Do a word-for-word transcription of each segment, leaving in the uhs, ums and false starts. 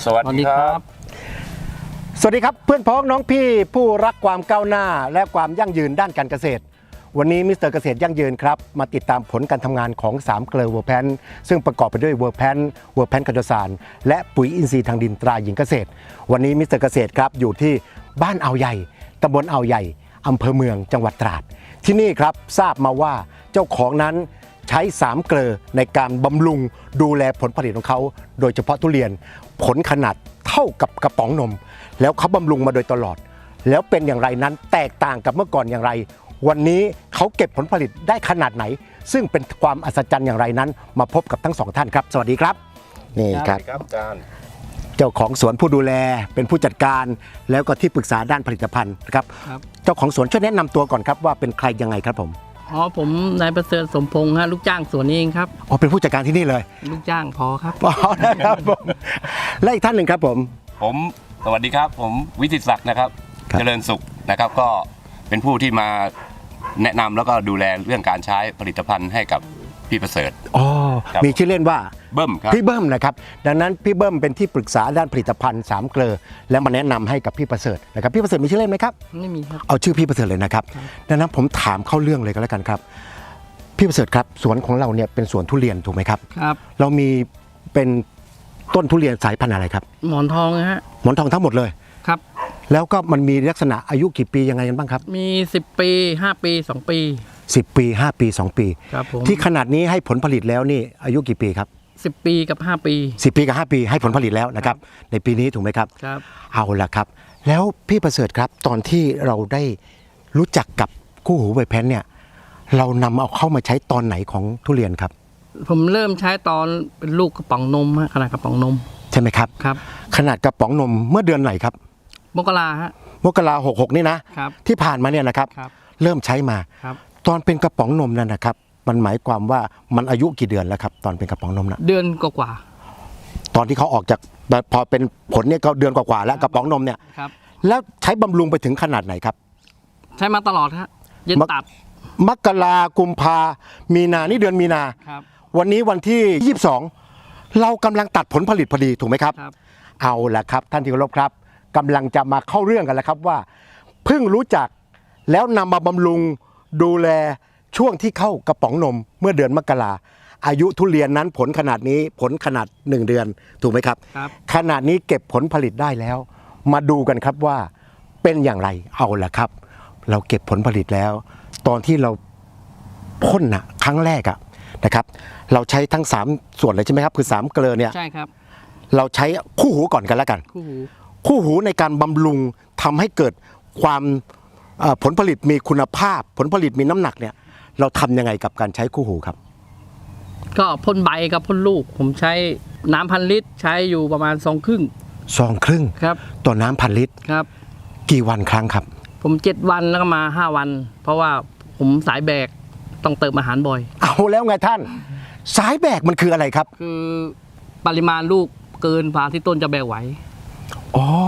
สวัสดีครับสวัสดีครับเพื่อนพ้องน้องพี่ผู้รักความก้าวหน้าและความยั่งยืนด้านการเกษตรวันนี้มิสเตอร์เกษตรยั่งยืนครับมาติดตามผลการทำงานของสามเกลือเวอร์แพนซึ่งประกอบไปด้วยเวอร์แพนเวอร์แพนคาร์โดซานและปุ๋ยอินทรีย์ทางดินตราหญิงเกษตรวันนี้มิสเตอร์เกษตรครับอยู่ที่บ้านอ่าวใหญ่ตำบลอ่าวใหญ่อำเภอเมืองจังหวัดตราดที่นี่ครับทราบมาว่าเจ้าของนั้นใช้สามเกลือในการบำรุงดูแลผลผลิตของเขาโดยเฉพาะทุเรียนผลขนาดเท่ากับกระป๋องนมแล้วเขาบำรุงมาโดยตลอดแล้วเป็นอย่างไรนั้นแตกต่างกับเมื่อก่อนอย่างไรวันนี้เขาเก็บผลผลิตได้ขนาดไหนซึ่งเป็นความอัศจรรย์อย่างไรนั้นมาพบกับทั้งสองท่านครับสวัสดีครับนี่ครับอาจารย์เจ้าของสวนผู้ดูแลเป็นผู้จัดการแล้วก็ที่ปรึกษาด้านผลิตภัณฑ์นะครับเจ้าของสวนช่วยแนะนำตัวก่อนครับว่าเป็นใครยังไงครับผมอ๋อผมนายประเสริฐสมพงษ์ฮะลูกจ้างสวนนี้เองครับอ๋อเป็นผู้จัดการที่นี่เลยลูกจ้างพอครับอ๋อนะครับผมและอีกท่านหนึ่งครับผมผมสวัสดีครับผมวิจิตรศักดิ์นะครับเจริญสุขนะครับก็เป็นผู้ที่มาแนะนำแล้วก็ดูแลเรื่องการใช้ผลิตภัณฑ์ให้กับพี่ประเสริฐอ๋อมีชื่อเล่นว่าเบิ้มครับพี่เบิ้มนะครับดังนั้นพี่เบิ้มเป็นที่ปรึกษาด้านผลิตภัณฑ์สามเกลือและมาแนะนำให้กับพี่ประเสริฐนะครับพี่ประเสริฐมีชื่อเล่นไหมครับไม่มีครับเอาชื่อพี่ประเสริฐเลยนะครับดังนั้นผมถามเข้าเรื่องเลยก็แล้วกันครับพี่ประเสริฐครับสวนของเราเนี่ยเป็นสวนทุเรียนถูกไหมครับครับเรามีเป็นต้นทุเรียนสายพันธุ์อะไรครับหมอนทองนะฮะหมอนทองทั้งหมดเลยครับแล้วก็มันมีลักษณะอายุกี่ปียังไงกันบ้างครับมีสิบปีห้าปีสองปีสิบปีห้าปีสองปีครับผมที่ขนาดนี้ให้ผลผลิตแล้วนี่อายุกี่ปีครับสิบปีกับห้าปีสิบปีกับห้าปีให้ผลผลิตแล้วนะครับในปีนี้ถูกไหมครับครับเอาละครับแล้วพี่ประเสริฐครับตอนที่เราได้รู้จักกับคู่หูใบแพนเนี่ยเรานำเอาเข้ามาใช้ตอนไหนของทุเรียนครับผมเริ่มใช้ตอนเป็นลูกกระป๋องนมฮะขนาดกระป๋องนมใช่ไหมครับครับขนาดกระป๋องนมเมื่อเดือนไหนครับมกราฮะมกราหกหกนี่นะครับที่ผ่านมาเนี่ยนะครับเริ่มใช้มาตอนเป็นกระป๋องนมนั่นนะครับมันหมายความว่ามันอายุกี่เดือนแล้วครับตอนเป็นกระป๋องนมนะเดือนกว่าตอนที่เขาออกจากพอเป็นผลเนี่ยก็เดือนกว่าแล้วกระป๋องนมเนี่ยแล้วใช้บำรุงไปถึงขนาดไหนครับใช้มาตลอดฮะเย็นตัดมกรากุมภามีนานี่เดือนมีนาวันนี้วันที่ยี่สิบสองเรากำลังตัดผลผลิตพอดีถูกไหมครับเอาละครับท่านที่เคารพครับกำลังจะมาเข้าเรื่องกันแล้วครับว่าเพิ่งรู้จักแล้วนำมาบำรุงดูแลช่วงที่เข้ากระป๋องนมเมื่อเดือนมกราอายุทุเรียนนั้นผลขนาดนี้ผลขนาดหนึ่งเดือนถูกไหมครับขนาดนี้เก็บผลผลิตได้แล้วมาดูกันครับว่าเป็นอย่างไรเอาละครับเราเก็บผลผลิตแล้วตอนที่เราพ่นนะครั้งแรกอะนะครับเราใช้ทั้งสามส่วนเลยใช่ไหมครับคือสามเกลือเนี่ยใช่ครับเราใช้คู่หูก่อนกันแล้วกันคู่หูคู่หูในการบำรุงทำให้เกิดความผลผลิตมีคุณภาพผลผลิตมีน้ำหนักเนี่ยเราทำยังไงกับการใช้คู่หูครับก็พ่นใบกับพ่นลูกผมใช้น้ำพันลิตรใช้อยู่ประมาณซองครึ่งซองครึ่งครับต่อน้ำพันลิตรครับกี่วันครั้งครับผมเจ็ดวันแล้วก็มาห้าวันเพราะว่าผมสายแบกต้องเติมอาหารบ่อยเอาแล้วไงท่านสายแบกมันคืออะไรครับคือปริมาณลูกเกินฝาที่ต้นจะแบกไหวอ๋อ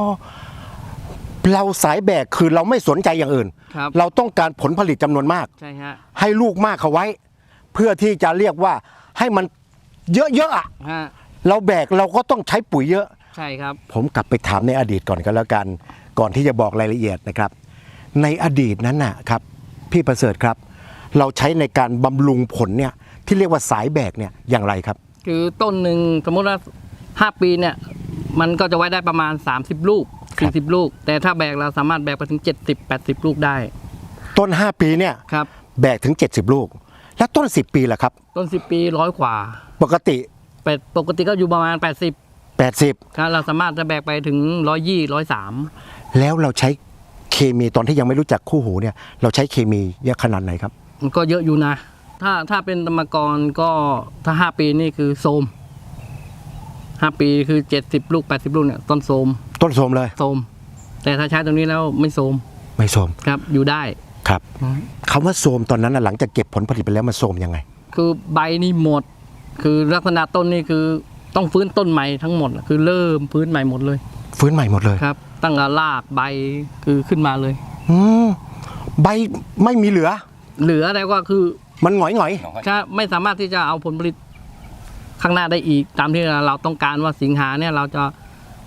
เราสายแบกคือเราไม่สนใจอย่างอื่นเราต้องการผลผลิตจำนวนมากใช่ฮะให้ลูกมากเขาไว้เพื่อที่จะเรียกว่าให้มันเยอะๆอ่ะเราแบกเราก็ต้องใช้ปุ๋ยเยอะใช่ครับผมกลับไปถามในอดีตก่อนก็แล้วกันก่อนที่จะบอกรายละเอียดนะครับในอดีตนั้นนะครับพี่ประเสริฐครับเราใช้ในการบำรุงผลเนี่ยที่เรียกว่าสายแบกเนี่ยอย่างไรครับคือต้นหนึ่งสมมติว่าห้าปีเนี่ยมันก็จะไว้ได้ประมาณสามสิบลูกสี่สิบลูกแต่ถ้าแบกเราสามารถแบกไปถึงเจ็ดสิบ แปดสิบลูกได้ต้นห้าปีเนี่ยครับแบกถึงเจ็ดสิบลูกแล้วต้นสิบปีล่ะครับต้นสิบปีร้อยกว่าปกติปกติก็อยู่ประมาณแปดสิบแปดสิบครับเราสามารถจะแบกไปถึงหนึ่งร้อยยี่สิบ หนึ่งร้อยสามแล้วเราใช้เคมีตอนที่ยังไม่รู้จักคู่หูเนี่ยเราใช้เคมีเยอะขนาดไหนครับมันก็เยอะอยู่นะถ้าถ้าเป็นธรรมกรก็ถ้าห้าปีนี่คือโทรมห้าปีคือเจ็ดสิบลูกแปดสิบลูกเนี่ยต้นโทรมต้นโทรมเลยโทรมแต่ถ้าใช้ตรงนี้แล้วไม่โทรมไม่โทรมครับอยู่ได้ครับคำว่าโทรมตอนนั้นหลังจากเก็บผลผลิตไปแล้วมันโทรมยังไงคือใบนี่หมดคือลักษณะต้นนี่คือต้องฟื้นต้นใหม่ทั้งหมดคือเริ่มฟื้นใหม่หมดเลยฟื้นใหม่หมดเลยครับตั้งแต่รากใบคือขึ้นมาเลยอืมใบไม่มีเหลือเหลืออะไรก็คือมันหงอยหงอยใช่ไม่สามารถที่จะเอาผลผลิตข้างหน้าได้อีกตามที่เราต้องการว่าสิงหาเนี่ยเราจะ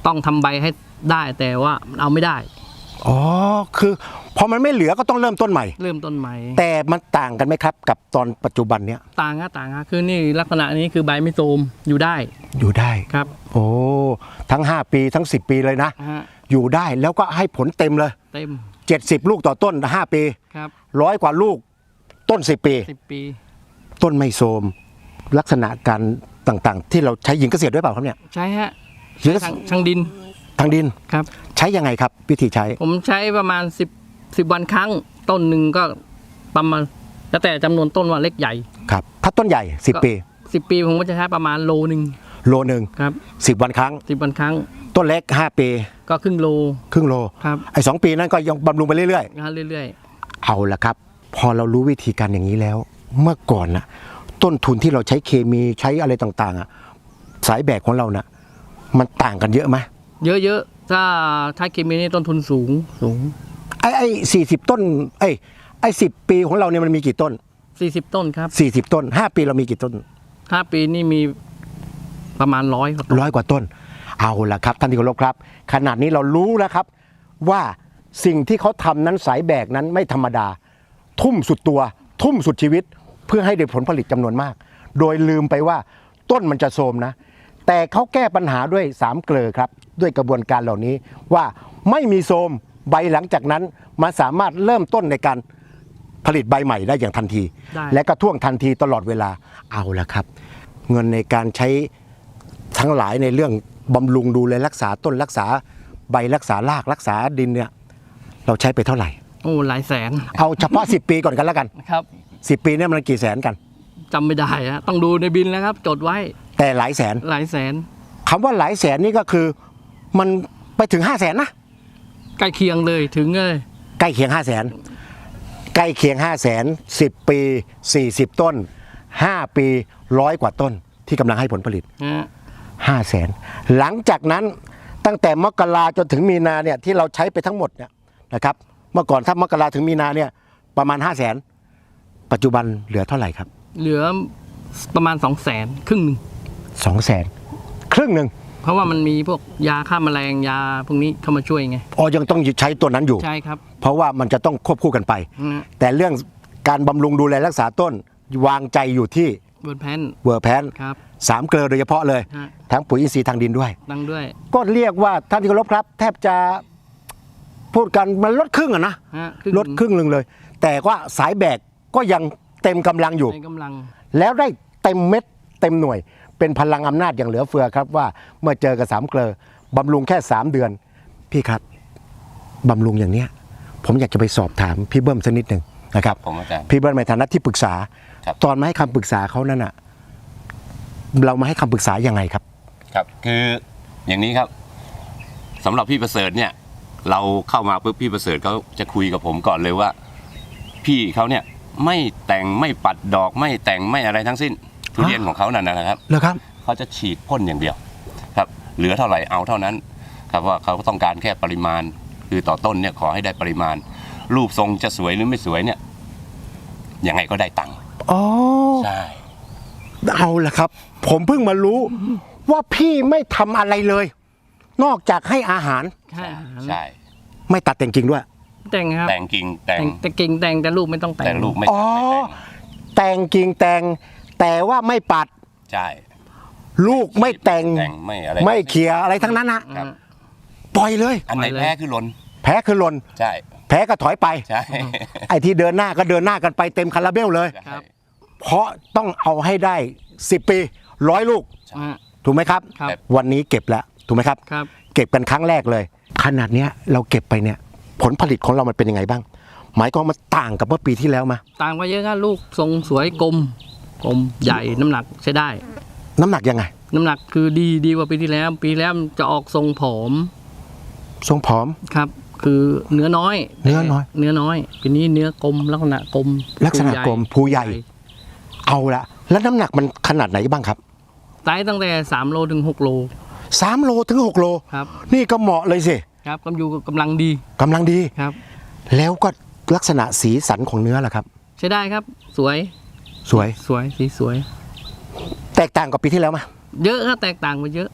ต้องทำใบให้ได้แต่ว่าเอาไม่ได้อ๋อคือพอมันไม่เหลือก็ต้องเริ่มต้นใหม่เริ่มต้นใหม่แต่มันต่างกันไหมครับ กับตอนปัจจุบันเนี้ยต่างฮะต่างฮะคือนี่ลักษณะนี้คือใบไม่โทรมอยู่ได้อยู่ได้ครับโอ้ทั้งห้าปีทั้งสิบปีเลยนะฮะอยู่ได้แล้วก็ให้ผลเต็มเลยเต็มเจ็ดสิบลูกต่อต้นห้าปีครับร้อยกว่าลูกต้นสิบปีสิบปีต้นไม่โทรมลักษณะการต่างๆ ที่เราใช้หญิงเกษตรด้วยเปล่าครับเนี่ยใช้ฮะหญิงเกษทางตรทางดินทางดินครับใช้ยังไงครับ วิธีใช้ผมใช้ประมาณสิบสิบวันครั้งต้นหนึ่งก็ประมาณแล้วแต่จำนวนต้นว่าเล็กใหญ่ครับถ้าต้นใหญ่สิบปีสิบปีผมก็จะใช้ประมาณโลหนึ่งโลหนึ่งครับสิบวันครั้งสิบวันครั้งต้นเล็กห้าปีก็ครึ่งโลครึ่งโลครับไอ้สองปีนั้นก็ยังบำรุงไปเรื่อยนะฮะเรื่อยๆ เอาละครับ พอเรารู้วิธีการอย่างนี้แล้ว เมื่อก่อนนะต้นทุนที่เราใช้เคมีใช้อะไรต่างๆอ่ะสายแบกของเรานะ่ะมันต่างกันเยอะไหมๆ เยอะๆถ้าใช้เคมีนี่ต้นทุนสูงสูงไอ้ไอ้สี่สิบต้นไอ้ไอ้สิบปีของเราเนี่ยมันมีกี่ต้นสี่สิบต้นครับสี่สิบต้นห้าปีเรามีกี่ต้นห้าปีนี่มีประมาณร้อยครับร้อยกว่าต้น เอาละครับท่านที่เคารพครับ ขนาดนี้เรารู้แล้วครับ ว่าสิ่งที่เขาทำนั้นสายแบกนั้นไม่ธรรมดา ทุ่มสุดตัว ทุ่มสุดชีวิต เพื่อให้ได้ผลผลิตจำนวนมาก โดยลืมไปว่าต้นมันจะโทรมนะ แต่เขาแก้ปัญหาด้วยสามเกลอครับ ด้วยกระบวนการเหล่านี้ว่าไม่มีโทรมใบหลังจากนั้นมันสามารถเริ่มต้นในการผลิตใบใหม่ได้อย่างทันทีได้และก็ท่วงทันทีตลอดเวลาเอาละครับ เงินในการใช้ทั้งหลายในเรื่องบำรุงดูแลรักษาต้นรักษาใบรักษารากรักษาดินเนี่ยเราใช้ไปเท่าไหร่โอ้หลายแสนเอาเฉพาะ สิบ ปีก่อนกันแล้วกันครับสิบ ปีเนี่ยมันกี่แสนกันจำไม่ได้ฮะต้องดูในบินแล้วครับ จดไว้แต่หลายแสนหลายแสนคำว่าหลายแสนนี่ก็คือมันไปถึงห้าแสนนะใกล้เคียงเลยถึงเลยใกล้เคียงห้าแสนใกล้เคียงห้าแสนสิบปีสี่สิบต้นห้าปีร้อยกว่าต้นที่กำลังให้ผลผลิตฮะห้าแสนหลังจากนั้นตั้งแต่มกราจนถึงมีนาเนี่ยที่เราใช้ไปทั้งหมดเนี่ยนะครับเมื่อก่อนถ้ามกราถึงมีนาเนี่ยประมาณห้าแสนปัจจุบันเหลือเท่าไหร่ครับเหลือประมาณสองแสนครึ่งหนึ่งสองแสนครึ่งหนึ่งเพราะว่ามันมีพวกยาฆ่าแมลงยาพวกนี้เข้ามาช่วยไงอ๋อยังต้องใช้ตัวนั้นอยู่ใช่ครับเพราะว่ามันจะต้องควบคู่กันไปนะแต่เรื่องการบำรุงดูแลรักษาต้นวางใจอยู่ที่บนแพนเวอร์แพนครับสามเกลือโดยเฉพาะเลยฮะทั้งปุ๋ยอินทรีย์ทางดินด้วยดังด้วยก็เรียกว่าท่านที่เคารพครับ แทบจะพูดกันมันลดครึ่งอะนะฮะลดครึ่งหนึ่งเลย แต่ว่าสายแบกก็ยังเต็มกำลังอยู่ในกำลังแล้วได้เต็มเม็ดเต็มหน่วย เป็นพลังอำนาจอย่างเหลือเฟือครับว่าเมื่อเจอกับสามเกลอบำรุงแค่สามเดือน พี่ครับบำรุงอย่างเนี้ย ผมอยากจะไปสอบถามพี่เบิ้มสักนิดหนึ่งนะครับผมอาจารย์พี่เบิ้มในฐานะที่ปรึกษาครับตอนมาให้คำปรึกษาเขานั่นน่ะ เรามาให้คำปรึกษายังไงครับครับคืออย่างนี้ครับสำหรับพี่ประเสริฐเนี่ย เราเข้ามาปุ๊บพี่ประเสริฐเขาจะคุยกับผมก่อนเลยว่า พี่เขาเนี่ยไม่แต่งไม่ปัดดอกไม่แต่งไม่อะไรทั้งสิ้นทุเรียนของเขานั่นนะครับเหรอครับเขาจะฉีดพ่นอย่างเดียวครับ เหลือเท่าไหร่เอาเท่านั้น ครับว่าเขาต้องการแค่ปริมาณ คือต่อต้นเนี่ยขอให้ได้ปริมาณ รูปทรงจะสวยหรือไม่สวยเนี่ยยังไงก็ได้ตังค์อ๋อใช่เอาละครับ ผมเพิ่งมารู้ว่าพี่ไม่ทำอะไรเลย นอกจากให้อาหารใช่อาหารใช่ไม่ตัดแต่งกิ่งด้วยแต่งครับแต่งกิ่งแต่งแต่งแต่กิ่งแต่งแต่ลูกไม่ต้องแต่งแต่ลูกไม่อ๋อไม่แต่งแต่งกิ่งแต่ง แต่ว่าไม่ปัดใช่ลูกไม่แต่งแต่งไม่อะไรไม่เขี่ยอะไรทั้งนั้นนะครับ ปล่อยเลยอันไหนแพ้คือหลนแพ้คือหลนใช่แพ้ก็ถอยไปใช่ไอ้ที่เดินหน้าก็เดินหน้ากันไปเต็มคาราเบลเลยใช่เพราะต้องเอาให้ได้สิบปีร้อยลูกอ่าถูกไหมครับครับวันนี้เก็บแล้วถูกไหมครับครับเก็บกันครั้งแรกเลย ขนาดเนี้ยเราเก็บไปเนี่ย ผลผลิตของเรามันเป็นยังไงบ้าง หมายความมันต่างกับเมื่อปีที่แล้วมาต่างไปเยอะครับลูกทรงสวยกลมกลมใหญ่น้ำหนักใช้ได้น้ำหนักยังไงน้ำหนักคือดีดีกว่าปีที่แล้ว ปีแล้วมันจะออกทรงผอมทรงผอมครับ คือเนื้อน้อยเนื้อน้อยเนื้อน้อยปีนี้เนื้อกลมลักษณะกลมลักษณะกลมภูใหญ่ เอาละแล้วน้ำหนักมันขนาดไหนบ้างครับไซส์ตั้งแต่สามโลถึงหกโลสามโลถึงหกโลครับนี่ก็เหมาะเลยสิครับกำอยู่กำลังดีกำลังดีครับแล้วก็ลักษณะสีสันของเนื้อล่ะครับใช้ได้ครับ สวยสวยสวยสีสวยแตกต่างกับปีที่แล้วไหมเยอะครับแตกต่างไปเยอะ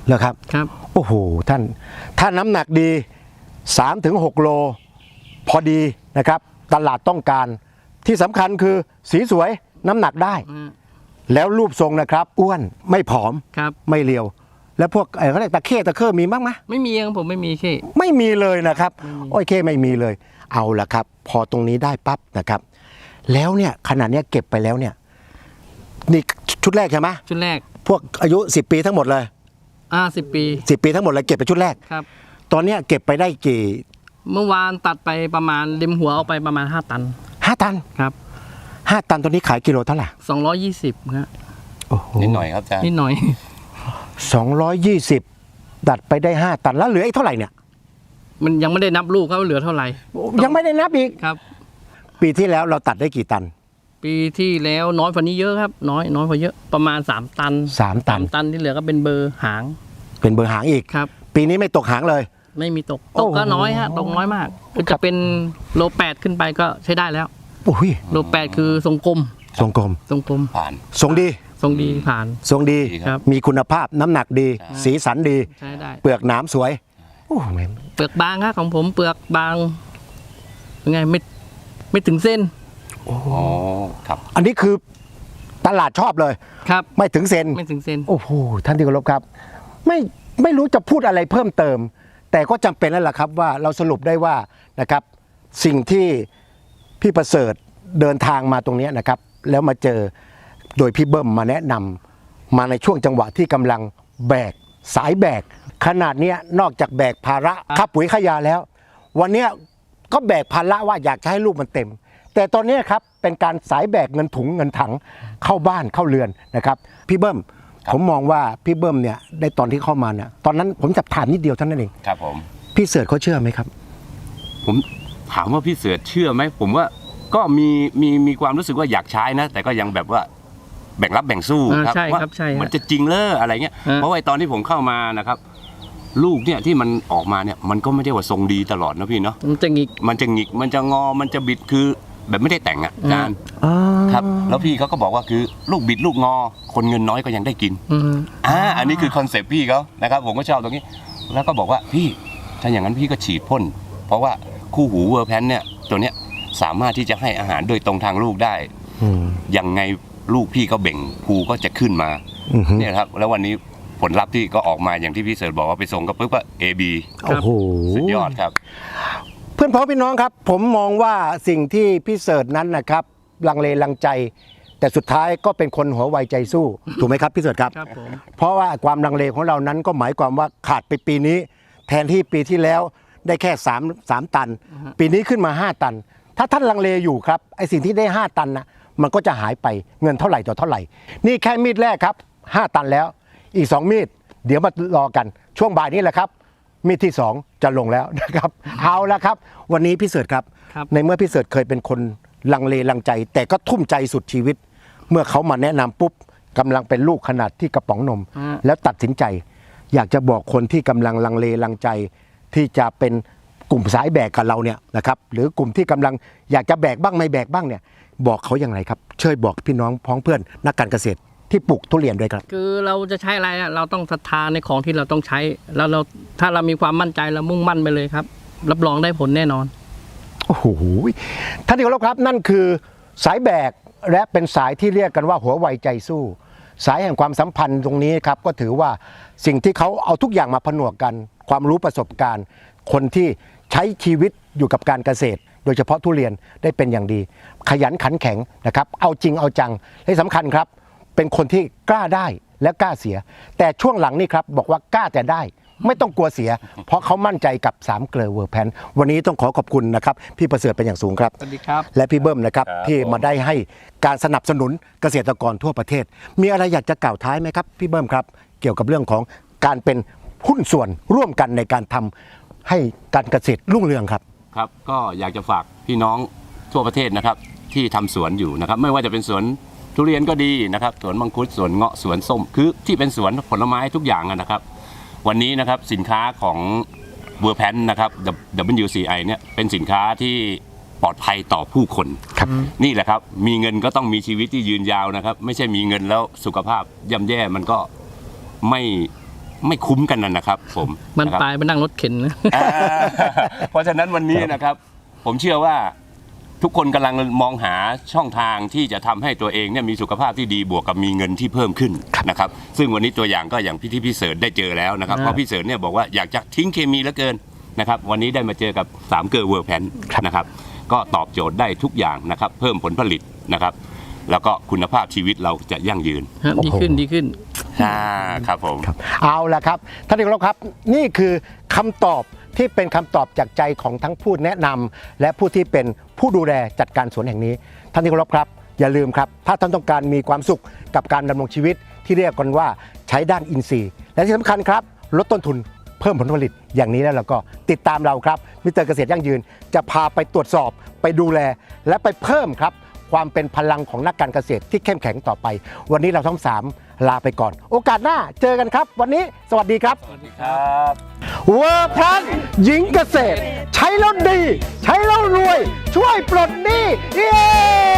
เหรอครับครับโอ้โหท่านถ้าน้ำหนักดี สามถึงหก โลพอดีนะครับ ตลาดต้องการที่สำคัญคือสีสวยน้ำหนักได้อืมแล้วรูปทรงนะครับ อ้วนไม่ผอมครับไม่เรียว แล้วพวกเอ่อเขาเรียกตะเข้ตะเข้มีบ้างไหมไม่มีครับผมไม่มีเข้ไม่มีเลยนะครับโอ้ยเข้ไม่มีเลย เอาละครับ พอตรงนี้ได้ปั๊บนะครับ แล้วเนี่ยขนาดเนี้ยเก็บไปแล้วเนี่ยนี่ชุดแรกใช่ไหมชุดแรกพวกอายุสิบปีทั้งหมดเลยอ่าสิบปีสิบปีทั้งหมดเลยเก็บไปชุดแรกครับตอนเนี้ยเก็บไปได้กี่เมื่อวานตัดไปประมาณริมหัวเอาไปประมาณห้าตันห้าตันครับห้าตันตอนนี้ขายกิโลเท่าไหร่สองร้อยยี่สิบครับโอ้โหนิดหน่อยครับอาจารย์นิดหน่อยสองร้อยยี่สิบดัดไปได้ห้าตันแล้วเหลืออีกเท่าไหร่เนี่ยมันยังไม่ได้นับลูกครับว่าเหลือเท่าไหร่ยังไม่ได้นับอีกครับปีที่แล้วเราตัดได้กี่ตันปีที่แล้วน้อยกว่านี้เยอะครับ น้อยน้อยกว่าเยอะประมาณสามตันสามตันตันที่เหลือก็เป็นเบอร์หางเป็นเบอร์หางอีกครับปีนี้ไม่ตกหางเลยไม่มีตกโอ้ตโหกก็น้อยฮะตกน้อยมากคือครัจะบเป็นโลแปดขึ้นไปก็ใช้ได้แล้วโอ้ยโลแปดคือทรงกลมทรงกลมทรงกลมผ่านทรงดีทรงดีผ่านทรงดีครับมีคุณภาพน้ำหนักดี สีสันดีใช้ได้เปลือกหนามสวยโอ้แม่งเปลือกบางครับของผมเปลือกบางยังไงไม่ไม่ถึงเส้นอ๋อครับอันนี้คือตลาดชอบเลยครับไม่ถึงเซนไม่ถึงเส้นโอ้โหท่านที่เคารพครับ ไม่ไม่รู้จะพูดอะไรเพิ่มเติม แต่ก็จำเป็นแล้วล่ะครับว่าเราสรุปได้ว่านะครับ สิ่งที่พี่ประเสริฐเดินทางมาตรงเนี้ยนะครับ แล้วมาเจอโดยพี่เบิ้มมาแนะนำมาในช่วงจังหวะที่กำลังแบกสายแบกขนาดเนี้ยนอกจากแบกภาระค่าปุ๋ยค่ายาแล้ว วันเนี้ยก็แบกภาระว่าอยากจะให้ลูกมันเต็ม แต่ตอนเนี้ยครับเป็นการสายแบกเงินถุงเงินถังเข้าบ้านเข้าเรือนนะครับ พี่เบิ้มผมมองว่าพี่เบิ้มเนี่ยได้ตอนที่เข้ามาเนี่ยตอนนั้นผมจะถามนิดเดียวเท่านั้นเองครับผมพี่เสิร์ชเขาเชื่อไหมครับผมถามว่าพี่เสือเชื่อไหมผมว่าก็มีมีมีความรู้สึกว่าอยากใช้นะ แต่ก็ยังแบบว่าแบ่งรับแบ่งสู้อ่าครับใช่ว่าครับใช่ฮะมันจะจริงเลออะไรเงี้ยฮะเพราะว่าไอ้ตอนที่ผมเข้ามานะครับ ลูกเนี่ยที่มันออกมาเนี่ยมันก็ไม่ได้ว่าทรงดีตลอดนะพี่เนาะมันจะหงิกมันจะหงิกมันจะงอมันจะบิดคือแบบไม่ได้แต่งอ่ะอาจารย์อ๋อครับ แล้วพี่เขาก็บอกว่าคือลูกบิดลูกงอ คนเงินน้อยก็ยังได้กินอืมอ่าอันนี้คือคอนเซปต์พี่เขานะครับผมก็ชอบตรงนี้ แล้วก็บอกว่าพี่ถ้าอย่างนั้นพี่ก็ฉีดพ่นเพราะว่าคู่หูเวอร์แพนเนี่ยตัวเนี้ยสามารถที่จะให้อาหารโดยตรงทางลูกได้อืมยังไงลูกพี่ก็เบ่งภูก็จะขึ้นมาอือฮึเนี่ยครับแล้ววันนี้ผลลัพธ์ที่ก็ออกมาอย่างที่พี่เสิร์ชบอกว่าไปส่งก็ปุ๊บก็ เอ บีโอ้โหสุดยอดครับเพื่อนพ้องพี่น้องครับ ผมมองว่าสิ่งที่พี่เสิร์ชนั้นนะครับลังเลลังใจ แต่สุดท้ายก็เป็นคนหัวไวใจสู้ ถูกไหมครับพี่เสิร์ชครับครับผมเพราะว่าความลังเลของเรานั้นก็หมายความว่าขาดไปปีนี้ แทนที่ปีที่แล้วได้แค่สามสามตัน ปีนี้ขึ้นมาห้าตัน ถ้าท่านลังเลอยู่ครับไอสิ่งที่ได้ห้าตันนะมันก็จะหายไปเงินเท่าไหร่ต่อเท่าไหร่ นี่แค่มีดแรกครับห้าตันแล้วอีกสองมีดเดี๋ยวมารอกันช่วงบ่ายนี้แหละครับ มีดที่สองจะลงแล้วนะครับ เอาละครับ วันนี้พี่เสิร์ชครับครับในเมื่อพี่เสิร์ชเคยเป็นคนลังเลลังใจ แต่ก็ทุ่มใจสุดชีวิต เมื่อเขามาแนะนำปุ๊บกำลังเป็นลูกขนาดที่กระป๋องนมอ่าแล้วตัดสินใจ อยากจะบอกคนที่กำลังลังเลลังใจ ที่จะเป็นกลุ่มสายแบกกับเราเนี่ยนะครับหรือกลุ่มที่กำลังอยากจะแบกบ้างไม่แบกบ้างเนี่ยบอกเขาอย่างไรครับช่วยบอกพี่น้องพ้องเพื่อนนักการเกษตรที่ปลูกทุเรียนด้วยครับคือเราจะใช้อะไรอะเราต้องศรัทธาในของที่เราต้องใช้ แล้วเราถ้าเรามีความมั่นใจเรามุ่งมั่นไปเลยครับ รับรองได้ผลแน่นอนโอ้โหท่านที่เคารพครับนั่นคือสายแบกและเป็นสายที่เรียกกันว่าหัวไวใจสู้ สายแห่งความสัมพันธ์ตรงนี้ครับก็ถือว่าสิ่งที่เขาเอาทุกอย่างมาผนวกกัน ความรู้ประสบการณ์ คนที่ใช้ชีวิตอยู่กับการเกษตร โดยเฉพาะทุเรียนได้เป็นอย่างดี ขยันขันแข็งนะครับเอาจริงเอาจังและสำคัญครับ เป็นคนที่กล้าได้และกล้าเสีย แต่ช่วงหลังนี่ครับบอกว่ากล้าแต่ได้ ไม่ต้องกลัวเสีย เพราะเขามั่นใจกับสามเกลอเวอร์แพนวันนี้ต้องขอขอบคุณนะครับพี่ประเสริฐเป็นอย่างสูงครับสวัสดีครับและพี่เบิ้มนะครับครับที่ผมมาได้ให้การสนับสนุนเกษตรกรทั่วประเทศ มีอะไรอยากจะกล่าวท้ายไหมครับพี่เบิ้มครับ เกี่ยวกับเรื่องของการเป็นหุ้นส่วนร่วมกันในการทำให้การเกษตรรุ่งเรืองครับครับก็อยากจะฝากพี่น้องทั่วประเทศนะครับที่ทำสวนอยู่นะครับไม่ว่าจะเป็นสวนทุเรียนก็ดีนะครับสวนมังคุดสวนเงาะสวนส้มคือที่เป็นสวนผลไม้ทุกอย่างอะนะครับ วันนี้นะครับสินค้าของเวอร์แพนนะครับ ดับเบิลยู ซี ไอ เนี่ยเป็นสินค้าที่ปลอดภัยต่อผู้คนครับนี่แหละครับมีเงินก็ต้องมีชีวิตที่ยืนยาวนะครับ ไม่ใช่มีเงินแล้วสุขภาพย่ำแย่มันก็ไม่ไม่คุ้มกันนั่นนะครับ ผมมันนะครับปลายไปนั่งรถเข็นนะอ่าเพราะฉะนั้นวันนี้นะครับ ผมเชื่อว่าทุกคนกำลังมองหาช่องทางที่จะทำให้ตัวเองเนี่ยมีสุขภาพที่ดีบวกกับมีเงินที่เพิ่มขึ้นนะครับ ซึ่งวันนี้ตัวอย่างก็อย่างพี่ที่พี่เสิร์ชได้เจอแล้วนะครับอ่าเพราะพี่เสิร์ชเนี่ยบอกว่าอยากจะทิ้งเคมีเหลือเกินนะครับ วันนี้ได้มาเจอกับสามเกอร์เวิร์แพนนะครับ ก็ตอบโจทย์ได้ทุกอย่างนะครับ เพิ่มผลผลิตนะครับ แล้วก็คุณภาพชีวิตเราจะยั่งยืนฮะดีขึ้นดีขึ้นอ่าครับผมครับเอาละครับท่านที่เคารพครับนี่คือคำตอบที่เป็นคำตอบจากใจของทั้งผู้แนะนำและผู้ที่เป็นผู้ดูแลจัดการสวนแห่งนี้ท่านที่เคารพครับอย่าลืมครับถ้าท่านต้องการมีความสุขกับการดำรงชีวิตที่เรียกกันว่าใช้ด้านอินทรีย์ และที่สำคัญครับลดต้นทุนเพิ่มผลผลิตอย่างนี้แล้วเราก็ติดตามเราครับมิสเตอร์เกษตรยั่งยืนจะพาไปตรวจสอบไปดูแล และไปเพิ่มครับความเป็นพลังของนักการเกษตรที่เข้มแข็งต่อไป วันนี้เราทั้งสามลาไปก่อน โอกาสหน้าเจอกันครับ วันนี้สวัสดีครับสวัสดีครับเวอร์พลัสหญิงเกษตร ใช้แล้วดี ใช้แล้วรวย ช่วยปลดหนี้เย้